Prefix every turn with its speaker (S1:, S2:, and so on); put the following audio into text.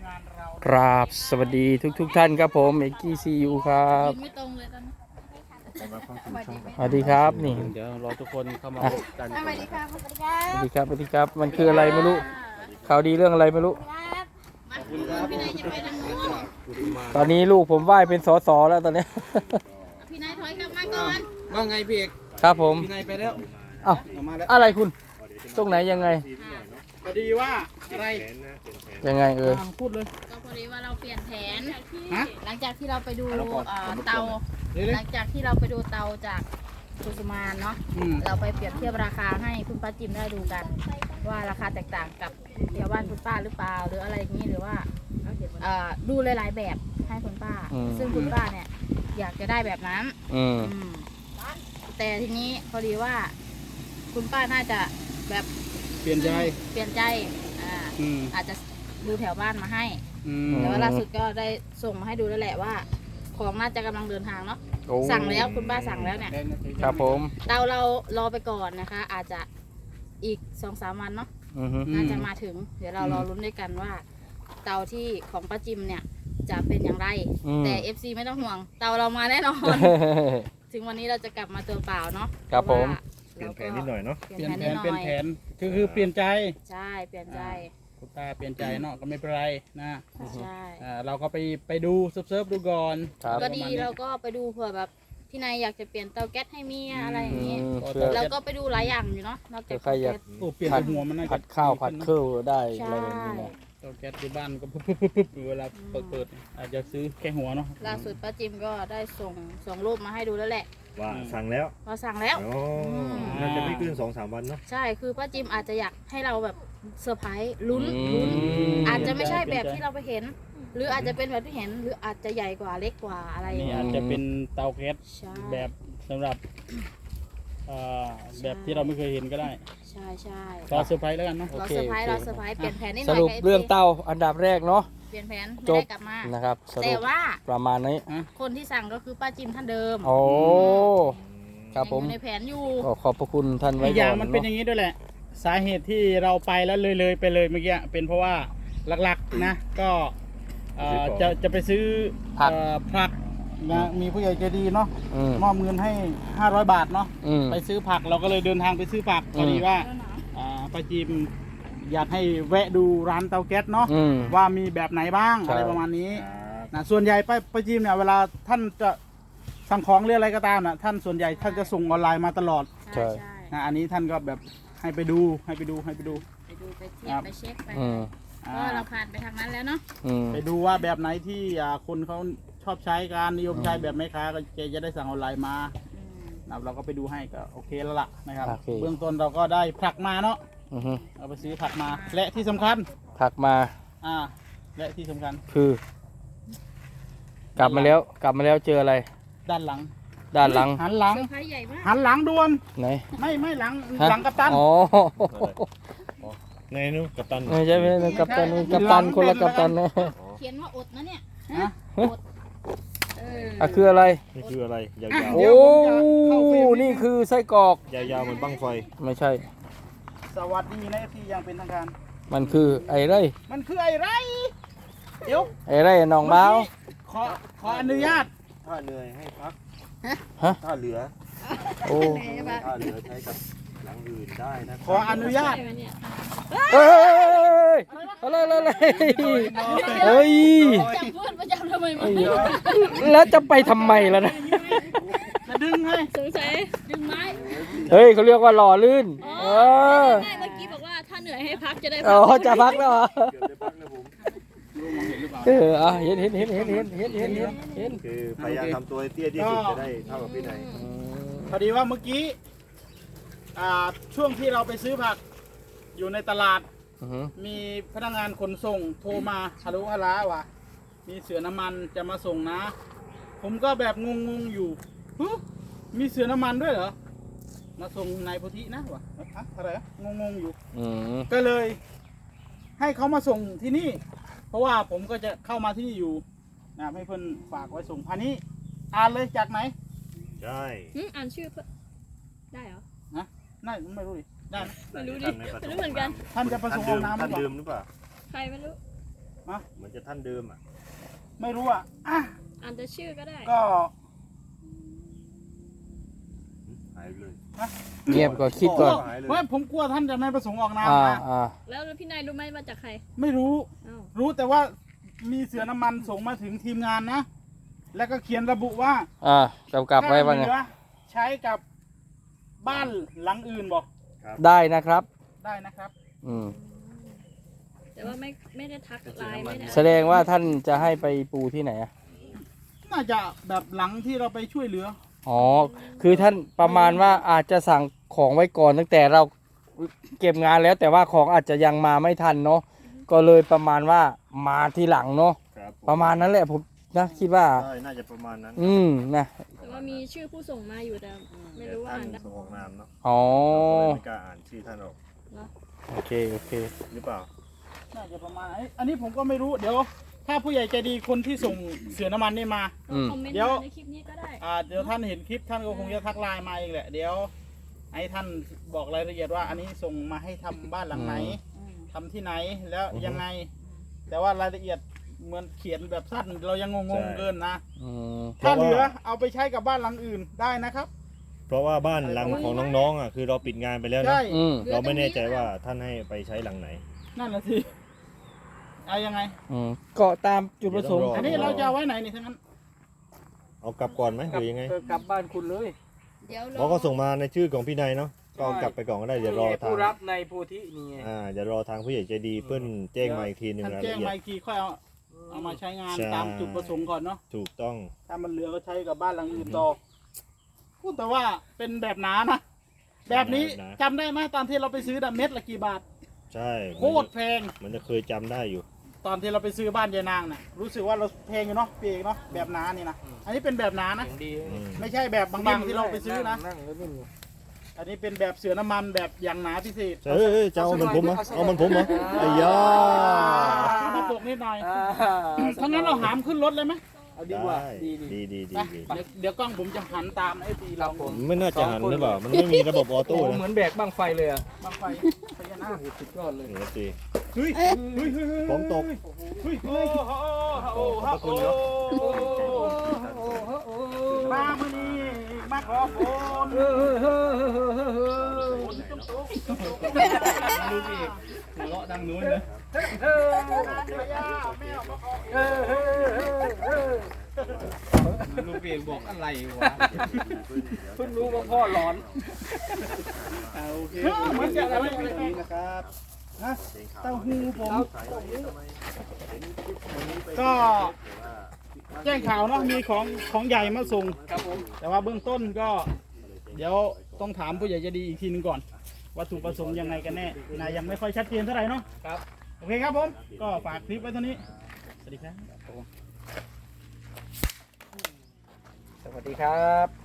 S1: กราบสวัสดีทุกท่านครับผมเอกกี้ซียูครับ
S2: ไม่ตรงเลยตอนนี้
S1: สวัสดีครับนี่
S3: เดี๋ยวรอทุกคนเข้ามาพบกัน
S2: สวัสดีครับสวัสดีครั
S1: สวัสดีครับสวัสดีครับมันคืออะไรไม่รู้ข่าวดีเรื่องอะไรไม่รู้
S2: มาคุณพี่นายจะไปทางนู้น
S1: ตอนนี้ลูกผมไหว้เป็นสสแล้วตอนนี้
S2: พี่นายถอยกลับมาก่อน
S3: ว่าไงพี่เอก
S1: ครับผม
S3: พี่นายไปแล้ว
S1: เอ้า
S3: ออกมาแล้ว
S1: อะไรคุณตรงไหนยังไง
S3: พอดีว่าอะไร
S1: ยังไง
S3: พูดเลย
S2: ก็พอดีว่าเราเปลี่ยนแผน
S3: ฮะ
S2: หลังจากที่เราไปดูเตา
S3: เดี๋ยว
S2: หลังจากที่เราไปดูเตาจากกุสุมานเนาะเราไปเปรียบเทียบราคาให้คุณป้าจิมได้ดูกัน ว่าราคาแตกต่างกับแถวบ้านคุณป้าหรือเปล่าหรืออะไรอย่างนี้หรือว่าดูหลายๆแบบให้คุณป้า ซึ่งคุณป้าเนี่ยอยากจะได้แบบนั้น
S1: อืม
S2: แต่ทีนี้พอดีว่าคุณป้าน่าจะแบบ
S3: เปลี่ยนใจ
S2: เปลี่ยนใจอาจจะดูแถวบ้านมาให้
S3: อืม
S2: แต่ว่าล่าสุดก็ได้ส่งมาให้ดูแล้วแหละว่า ของน่าจะกำลังเดินทางเนาะ
S1: โอ้
S2: สั่งแล้วคุณป้าสั่งแล้วเนี่ย
S1: ครับผม
S2: เตาเรารอไปก่อนนะคะ อาจจะอีก 2-3 วันเนาะ
S1: อือฮึ
S2: น่าจะมาถึง เดี๋ยวเรารอลุ้นด้วยกันว่า เตาที่ของป้าจิมเนี่ยจะเป็นอย่างไร แต่ FC ไม่ต้องห่วง เตาเรามาแน่นอน ถึงวันนี้เราจะกลับมาตัวเปล่าเนาะ
S1: ครับผม
S4: เปลี่ยนแผนนิดหน่อยเนาะ
S2: เป
S3: เป
S2: ลี่
S3: ลี่
S2: ย
S3: ย
S2: น
S3: น
S2: แผ
S3: แผ
S2: น
S3: น
S2: นิดห
S3: เปลี่ยน
S2: น่อย
S3: แผนคือเปลี่ยนใจ
S2: ใช่เปลี่ยนใจ
S3: คุณตาเปลี่ยนใจเนาะก็ไม่เป็นไรนะ
S2: ใช่
S3: เราก็ไปดูเซิร์ฟดูก่อน
S1: ครับ
S2: ก็ดีเราก็ไปดูเผื่อแบบพี่นายอยากจะเปลี่ยนเตาแก๊สให้เมียอะไรอย่างนี้
S1: เพื่อ
S2: เราก็ไปดูหลายอย่างอยู่เนาะนอกจาก
S1: ใครอยาก
S2: แก๊ส
S3: โอ้เปลี่ยนแต่หัวมันน่าจะ
S1: ผัดข้าวผัดเครื่องได้
S2: ใช่
S1: อะไรแบบนี้นะ
S3: เตาแก๊สที่บ้านก็ปุ๊บเวลาเปิดอาจจะซื้อแค่หัวเนาะ
S2: ล่าสุดป้าจิมก็ได้ส่งรูปมาให้ดูแล้วแหละ
S4: ว่าสั่งแล้ว
S2: เราสั่งแล้ว
S4: อ๋อน่าจะไม่เกิน2-3 วันเนาะ
S2: ใช่คือป้าจิมอาจจะอยากให้เราแบบเซอร์ไพรส์ลุ้นอาจจะไม่ใช่แบบที่เราไปเห็น หรืออาจจะเป็นแบบที่เห็นหรืออาจจะใหญ่กว่าเล็กกว่าอะไรอย่าง
S3: นี่
S2: เงี้ย
S3: อาจจะเป็นเตาแก๊ส
S2: ใช่
S3: แบบสำหรับแบบที่เราไม่เคยเห็นก็ได้
S2: ใช่ใช่
S3: รอเซอร์ไพรส์แล้วกันเนาะ
S2: เราเซอร์ไพรส์เราเซอร์ไพรส์เปลี่ยนแผนนิดห
S1: ส
S2: น่อย
S1: รุป
S2: กับ
S1: เรื่อง
S2: FC
S1: เต้าอันดับแรกเนาะ
S2: เปลี่ยนแผน
S1: จ
S2: ไม่
S1: บ
S2: ได้กลับมา
S1: นะครับส
S2: แต่
S1: รุป
S2: ว่า
S1: ประมาณนี้
S2: คนที่สั่งก็คือป้าจิมท่านเดิม
S1: โอ้ครับผม
S2: ยังอยู่ในแผนอยู่
S1: ก็ขอบพระคุณท่านไว้
S3: อีกอ
S1: ก่
S3: ย่า
S1: อง น
S3: มันเป็นอ
S1: เนาะ
S3: ย่างนี้ด้วยแหละ สาเหตุที่เราไปแล้วเลยไปเลยเมื่อกี้เป็นเพราะว่าหลักๆนะก็จะไปซื้อผักนะมีผู้ใหญ่ใจดีเนาะ
S1: อืม
S3: มอบเงินให้500 บาทเนาะ
S1: อืม
S3: ไปซื้อผักเราก็เลยเดินทางไปซื้อผักพอดีว่าป้าจิมอยากให้แวะดูร้านเตาแก๊สเนาะ
S1: อืม
S3: ว่ามีแบบไหนบ้าง
S1: ใช่
S3: อะไรประมาณนี้นะส่วนใหญ่ป้าจิมเนี่ยเวลาท่านจะสั่งของหรืออะไรก็ตามนะท่านส่วนใหญ่ท่านจะส่งออนไลน์มาตลอด
S2: ใช่ใช่
S3: นะอันนี้ท่านก็แบบให้ไปดู
S2: ไปดูไปเทียบไปเช็คไป
S1: อืม
S2: ก็เราผ่านไปทางนั้นแล้วเนาะ
S1: อืม
S3: ไปดูว่าแบบไหนที่คนเขาชอบใช้การนิยมใช้แบบแม่ค้าก็แกจะได้สั่งออนไลน์มานะเราก็ไปดูให้ก็โอเคแล้วล่ะนะครับ
S1: โอเค
S3: เบื้องต้นเราก็ได้ผักมาเนาะ
S1: อือฮึ
S3: เอาไปซื้อผักมาและที่สำคัญ
S1: ผักมา
S3: และที่สำคัญ
S1: คือ กลับมาแล้วเจออะไร
S3: ด้านหลัง
S1: ด้านหลัง
S3: หันหลัง
S2: เซอร์ไพรส์ใหญ่มาก
S3: หันหลังด่วน
S1: ไหน
S3: ไม่หลัง
S1: ฮะ
S3: หลังกัปตัน
S1: อ๋อ
S4: ในนู้นกัปตัน
S1: ไม่ใช่ไม่ใช่กัปตันกัปตันคนละกัปตันนะ
S2: เขียนว่าอดนะเนี่ย
S3: ฮะ
S1: คืออะไร
S4: นี่คืออะไรยาว
S1: โอ้ นี่คือไส้กรอก
S4: ๆยาวๆเหมือนบั้งไฟ
S1: ไม่ใช่
S3: สวัสดีนะที่ยังเป็นทางการ
S1: มันคือไอ้ไร
S3: มันคือไอ้ไรเดี๋ยว
S1: ไอ้ไรหนองบ้าว
S3: ขออนุญาต
S4: ถ้าเหนื่อยให้พัก
S1: ฮะ
S4: ถ้าเหลือ
S1: โอ้
S4: ถ้าเหลือใช้กับหลังอื่นได้นะ
S3: ขออนุญาต
S1: เฮ้ยอะไรเฮ้ย
S2: จับเพื่อนประจำทำไมมัน
S1: แล้วจะไปทำไมล่ะนะ
S3: จะดึงให้
S2: สงสัยดึงไม้
S1: เฮ้ยเขาเรียกว่าหล่อลื่น เออ
S2: ไม่เมื่อกี้บอกว่าถ้าเหนื่อยให้พักจะได้
S1: อ๋
S2: พั
S1: อจะพักแล้วเหรอ
S4: เกือบได้พักนะผม
S1: เห็น
S4: คือพยายามทำตัวให้เตี้ยที่สุดจะได้เท่ากับพี่นาย
S3: พอดีว่าเมื่อกี้ช่วงที่เราไปซื้อผักอยู่ในตลาด มีพนักงานขนส่งโทรมาฮัลโหลฮัลโหลว่ะมีเสือน้ำมันจะมาส่งนะ ผมก็แบบงงๆอยู่ฮึมีเสือน้ำมันด้วยเหรอมาส่งนายโพธินะวะอะอะไรอะงงๆอยู่ ก็เลยให้เขามาส่งที่นี่ เพราะว่าผมก็จะเข้ามาที่นี่อยู่นะให้เพื่อนฝากไว้ส่งพันนี้อ่านเลยจากไหน
S4: ใช่
S2: อ่านชื่อเพื่อได้เหรอ
S3: นะน่าไม่รู้ดิได้ไหม
S2: ไม่รู้ดิไม่รู้เหมือนกัน
S3: ท่านจะประสงค์เอาน้ำห
S4: ท่า
S3: รื
S4: น
S3: อเป
S4: ลื
S3: ล่าม
S4: หรือเปล่า
S2: ใครไม่รู้
S4: เหมือนจะท่านเดิมอ่ะ
S3: ไม่รู้อ่ะ
S5: อ่านแต่ชื่อก็ได้
S3: ก็
S4: หายเลย
S1: เงียบก่อนคิดก่อน
S4: หายเลย
S3: ว่าผมกลัวท่านจะไม่ประสงค์ออกนาม
S1: อ่า
S3: นะ
S1: อ่า
S5: แล้วพี่นายรู้ไหมมาจากใคร
S3: ไม่รู้
S5: อ้าว
S3: รู้แต่ว่ามีเสือน้ำมันส่งมาถึงทีมงานนะ แล้วก็เขียนระบุว่า
S1: กำกับไว้ว่าไง
S3: ถ้เหลือใช้กับบ้านหลังอื่นบอก
S1: ได้นะครับ
S3: ได้นะครับ
S1: อืม
S5: แต่ว่าไม่ได้ทักไลน์ไม่ได้
S1: แสดงว่าท่านจะให้ไปปูที่ไหนอะ
S3: น่าจะแบบหลังที่เราไปช่วยเหลือ
S1: อ๋อ คือท่านประมาณว่าอาจจะสั่งของไว้ก่อนตั้งแต่เราเก็บงานแล้ว แต่ว่าของอาจจะยังมาไม่ทันเนาะ ก็เลยประมาณว่ามาทีหลังเนาะ
S4: ครับผ
S1: ประมาณนั้นแหละผมนะคิดว่า
S4: ใช่น่าจะประมาณนั้น
S1: นะ
S5: แต่ว่ามีชื่อผู้ส่งมาอยู่แต่ไม่รู้ว่า
S4: ท่าน
S5: อ่านได้
S4: ส่งออกนามเนาะ
S1: อ๋อ
S4: เราก็เลยไม่กล้าอ่านชื่อท่านออก
S1: โอเค โอเค
S4: หรือเปล่า
S3: น่าจะประมาณอันนี้ผมก็ไม่รู้ เดี๋ยว ถ้าผู้ใหญ่ใจดีคนที่ส่งเสือน้ำมันนี่มา
S1: อืม
S5: คอมเมนต์
S3: เดี๋ยว
S5: มาในคลิปนี้ก็ได้
S3: เดี๋ยวท่านเห็นคลิปท่านก็คงจะทักไลน์มาเองแหละ เดี๋ยวให้ท่านบอกรายละเอียดว่า อันนี้ส่งมาให้ทำบ้านหลังไหน ทำที่ไหนแล้วยังไง แต่ว่ารายละเอียดเหมือนเขียนแบบสั้นเรายังงงๆเกินนะ
S1: อืม
S3: ถ้าเหลือเอาไปใช้กับบ้านหลังอื่นได้นะครับ
S4: เพราะว่าบ้านหลังของน้องๆอ่ะคือเราปิดงานไปแล้วนะ
S3: ใช่
S1: อืม
S4: เราไม่แน่ใจว่าท่านให้ไปใช้หลังไหน
S3: นั่นแหละสิเอายังไง
S1: ก็ตามจุดประสงค์
S3: อันนี้เราจะเอาไว้ไหนนี่ทั้งนั้น
S4: เอากลับก่อนไหมหรือยังไง
S1: กลับบ้านคุณเลย
S5: เดี๋ยว
S4: เพราะก็ส่งมาในชื่อของพี่นายเนาะก็เอากลับไปก่อนก็ได้เดี๋ยวรอทาง
S1: ผู้รับในโพธินี่ไง
S4: เดี๋ยวรอทางผู้ใหญ่ใจดีเพื่อนแจ้งมาอีกทีหนึ่ง
S3: ท่าน
S4: ราย
S3: แจ้
S4: ละ
S3: ง
S4: เอีย
S3: มา
S4: ด
S3: อีกทีค่อยเอามาใช้งาน
S4: ใช่
S3: ตามจุดประสงค์ก่อนเนาะ
S4: ถูกต้อง
S3: ถ้ามันเหลือก็ใช้กับบ้านหลังอื่นต่อพูดแต่ว่าเป็นแบบหนานะแบบนี้จำได้ไหมตอนที่เราไปซื้อเม็ดละกี่บาท
S4: ใช่
S3: โคตรแพง
S4: มันจะเคยจำได้อยู่
S3: ตอนที่เราไปซื้อบ้านยายนางน่ะรู้สึกว่าเราแพงอยู่เนาะพี่เอกเนาะแบบหนานี่นะอันนี้เป็นแบบหนานะ
S1: ดี
S4: อืม
S3: ไม่ใช่แบบบางๆที่เราไปซื้อนะ
S1: นั่งแล้วนิ่มอยู่
S3: อันนี้เป็นแบบเสือน้ำมันแบบอย่างหนาพิเศษ
S4: เอ้ยจะเอามันผมเหรอเอามันผมเหรอไอ้ยา
S3: มาปกนิดหน่อยทั้างนั้นเราหามขึ้นรถเลยไหม
S1: เอาดีกว่า
S4: ได้
S1: ดี
S4: ดีดี
S3: ไป
S4: ดี
S3: เดี๋ยวกล้องผมจะหันตามไอ้ตีเรา
S4: ไม่น่าจะหันหรือเปล่ามันไม่มีระบบออ
S1: โอ้
S4: โต้
S1: เหมื
S4: นะ
S1: อนแบกบั้งไฟเลยอ่ะ
S3: บางไฟพญานาค
S1: สุดยอดเลย
S4: นี่สิ
S3: เฮ้ยเฮ้ยเฮ้ย
S4: ผมตก
S3: เฮ้ยเฮ้ยโอ้โหโอ้โหมามื่อนี้มาขอฝน
S1: ดูสิหัวเราะดังนู้นเลยลูกเปียกบอกอะไรวะเพิ่งรู้ว่าพ่อร้อน
S3: โอเคเหมือนจะอะไร
S4: นะครับ
S3: ฮะเต้าหู้ผมก็แจ้งข่าวเนาะมีของใหญ่มาส่ง
S1: ครับผม
S3: แต่ว่าเบื้องต้นก็ เดี๋ยวต้องถามผู้ใหญ่ใจะดีอีกทีหนึงก่อนวัตถุประสงค์ยังไงกันแน่นะยังไม่ค่อยชัดเจนเท่าไหร่เนาะ
S1: ครับ
S3: โอเคครับผมก็ฝากคลิปไว้เท่านี้ สวัสดีครับ
S1: สวัสดีครับ